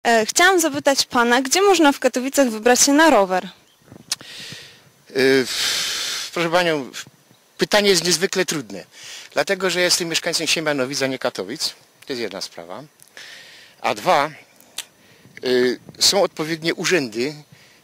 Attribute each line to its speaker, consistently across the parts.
Speaker 1: Chciałam zapytać pana, gdzie można w Katowicach wybrać się na rower?
Speaker 2: Proszę Panią, pytanie jest niezwykle trudne, dlatego że jestem mieszkańcem Siemianowic, a nie Katowic. To jest jedna sprawa. A dwa, są odpowiednie urzędy.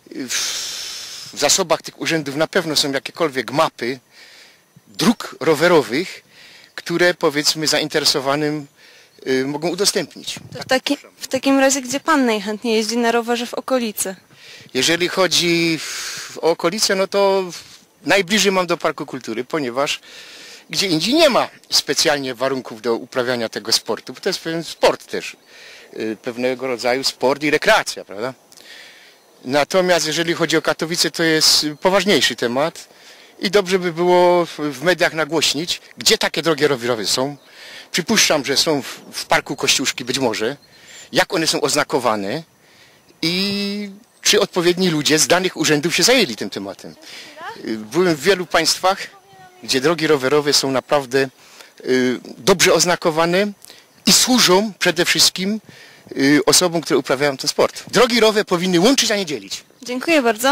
Speaker 2: W zasobach tych urzędów na pewno są jakiekolwiek mapy dróg rowerowych, które powiedzmy zainteresowanym mogą udostępnić.
Speaker 1: To w takim razie, gdzie pan najchętniej jeździ na rowerze w okolicy?
Speaker 2: Jeżeli chodzi o okolice, no to najbliżej mam do Parku Kultury, ponieważ gdzie indziej nie ma specjalnie warunków do uprawiania tego sportu, bo to jest pewien sport też, pewnego rodzaju sport i rekreacja, prawda? Natomiast jeżeli chodzi o Katowice, to jest poważniejszy temat i dobrze by było w mediach nagłośnić, gdzie takie drogi rowerowe są. Przypuszczam, że są w Parku Kościuszki być może, jak one są oznakowane i czy odpowiedni ludzie z danych urzędów się zajęli tym tematem. Byłem w wielu państwach, gdzie drogi rowerowe są naprawdę dobrze oznakowane i służą przede wszystkim osobom, które uprawiają ten sport. Drogi rowerowe powinny łączyć, a nie dzielić.
Speaker 1: Dziękuję bardzo.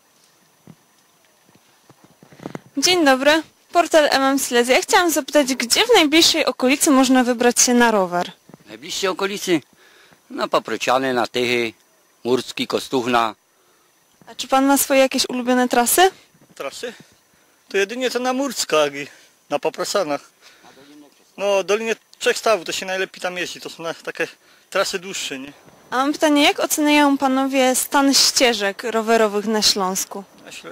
Speaker 1: Dzień dobry, portal MM Silesia. Ja chciałam zapytać, gdzie w najbliższej okolicy można wybrać się na rower?
Speaker 3: W najbliższej okolicy? Na Paprociany, na Tychy, Murski, Kostuchna.
Speaker 1: A czy pan ma swoje jakieś ulubione trasy?
Speaker 4: Trasy? To jedynie to na Murckach i na Paprosanach. No, Dolinie Trzech Stawów to się najlepiej tam jeździ, to są takie trasy dłuższe, nie?
Speaker 1: A mam pytanie, jak oceniają panowie stan ścieżek rowerowych na Śląsku?
Speaker 4: Myślę,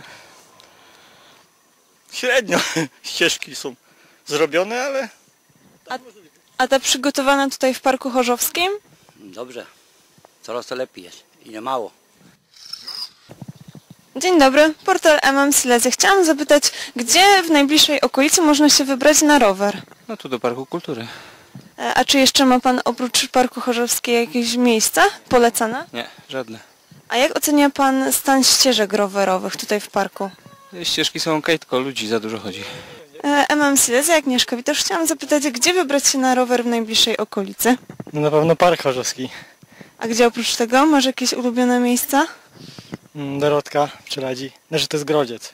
Speaker 4: średnio ścieżki są zrobione, ale...
Speaker 1: A te przygotowane tutaj w Parku Chorzowskim?
Speaker 3: Dobrze, coraz to lepiej jest i nie mało.
Speaker 1: Dzień dobry, portal MM Silesia. Chciałam zapytać, gdzie w najbliższej okolicy można się wybrać na rower?
Speaker 5: No tu do Parku Kultury.
Speaker 1: A czy jeszcze ma pan oprócz Parku Chorzowskiego jakieś miejsca polecane?
Speaker 5: Nie, żadne.
Speaker 1: A jak ocenia pan stan ścieżek rowerowych tutaj w parku?
Speaker 5: Ścieżki są okej, tylko ludzi za dużo chodzi.
Speaker 1: MM Silesia, Agnieszka Witosz. Chciałam zapytać, gdzie wybrać się na rower w najbliższej okolicy?
Speaker 4: No na pewno Park Chorzowski.
Speaker 1: A gdzie oprócz tego? Masz jakieś ulubione miejsca?
Speaker 4: Dorotka, Przeladzi. Znaczy to jest Grodziec.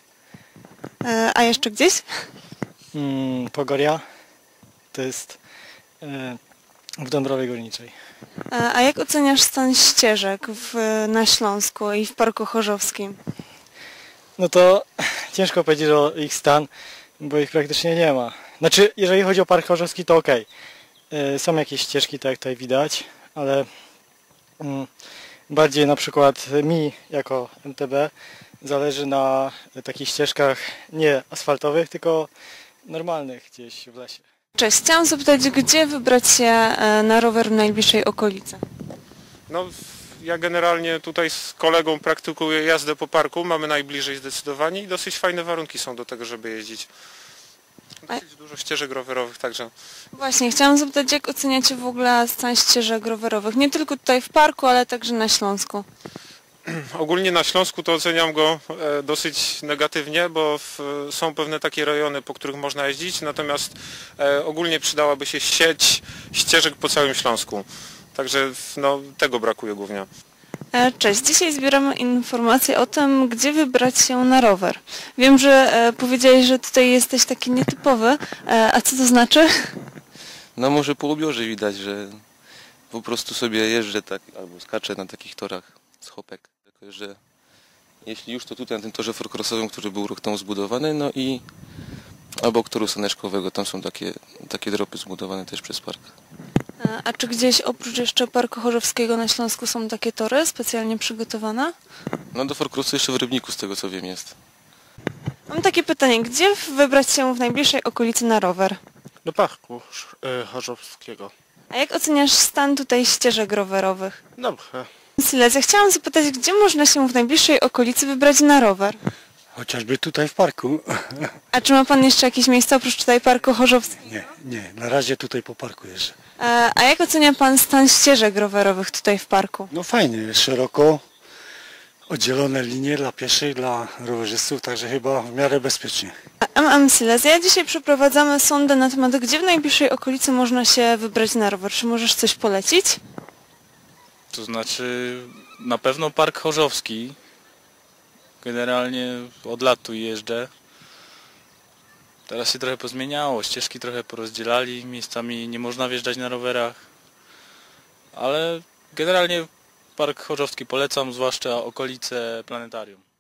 Speaker 1: A jeszcze gdzieś?
Speaker 4: Pogoria. To jest w Dąbrowie Górniczej.
Speaker 1: A jak oceniasz stan ścieżek na Śląsku i w Parku Chorzowskim?
Speaker 4: No to ciężko powiedzieć o ich stan, bo ich praktycznie nie ma. Znaczy, jeżeli chodzi o Park Chorzowski, to okej. Są jakieś ścieżki, tak jak tutaj widać, ale bardziej na przykład mi jako MTB zależy na takich ścieżkach nie asfaltowych, tylko normalnych gdzieś w lesie.
Speaker 1: Cześć, chciałam zapytać, gdzie wybrać się na rower w najbliższej okolicy?
Speaker 6: No, ja generalnie tutaj z kolegą praktykuję jazdę po parku, mamy najbliżej zdecydowanie i dosyć fajne warunki są do tego, żeby jeździć. Dosyć dużo ścieżek rowerowych, także...
Speaker 1: Właśnie, chciałam zapytać, jak oceniacie w ogóle stan ścieżek rowerowych? Nie tylko tutaj w parku, ale także na Śląsku.
Speaker 6: Ogólnie na Śląsku to oceniam go dosyć negatywnie, bo są pewne takie rejony, po których można jeździć, natomiast ogólnie przydałaby się sieć ścieżek po całym Śląsku. Także no, tego brakuje głównie.
Speaker 1: Cześć, dzisiaj zbieramy informacje o tym, gdzie wybrać się na rower. Wiem, że powiedziałeś, że tutaj jesteś taki nietypowy, a co to znaczy?
Speaker 5: No może po ubiorze widać, że po prostu sobie jeżdżę tak, albo skaczę na takich torach z hopek. Tylko, że jeśli już to tutaj na tym torze fourcrossowym, który był rok temu zbudowany, no i obok toru saneczkowego, tam są takie dropy zbudowane też przez park.
Speaker 1: A czy gdzieś oprócz jeszcze Parku Chorzowskiego na Śląsku są takie tory specjalnie przygotowane?
Speaker 5: No do fourcrossu jeszcze w Rybniku, z tego co wiem, jest.
Speaker 1: Mam takie pytanie, gdzie wybrać się w najbliższej okolicy na rower?
Speaker 7: Do Parku Chorzowskiego.
Speaker 1: A jak oceniasz stan tutaj ścieżek rowerowych?
Speaker 7: Dobrze.
Speaker 1: Silesia, chciałam zapytać, gdzie można się w najbliższej okolicy wybrać na rower?
Speaker 8: Chociażby tutaj w parku.
Speaker 1: A czy ma pan jeszcze jakieś miejsca oprócz tutaj Parku Chorzowskiego?
Speaker 8: Nie, na razie tutaj po parku jeżdżę.
Speaker 1: A jak ocenia pan stan ścieżek rowerowych tutaj w parku?
Speaker 8: No fajnie, jest szeroko, oddzielone linie dla pieszych, dla rowerzystów, także chyba w miarę bezpiecznie.
Speaker 1: MM Silesia, dzisiaj przeprowadzamy sondę na temat, gdzie w najbliższej okolicy można się wybrać na rower. Czy możesz coś polecić?
Speaker 9: To znaczy na pewno Park Chorzowski. Generalnie od lat tu jeżdżę. Teraz się trochę pozmieniało, ścieżki trochę porozdzielali, miejscami nie można wjeżdżać na rowerach. Ale generalnie Park Chorzowski polecam, zwłaszcza okolice planetarium.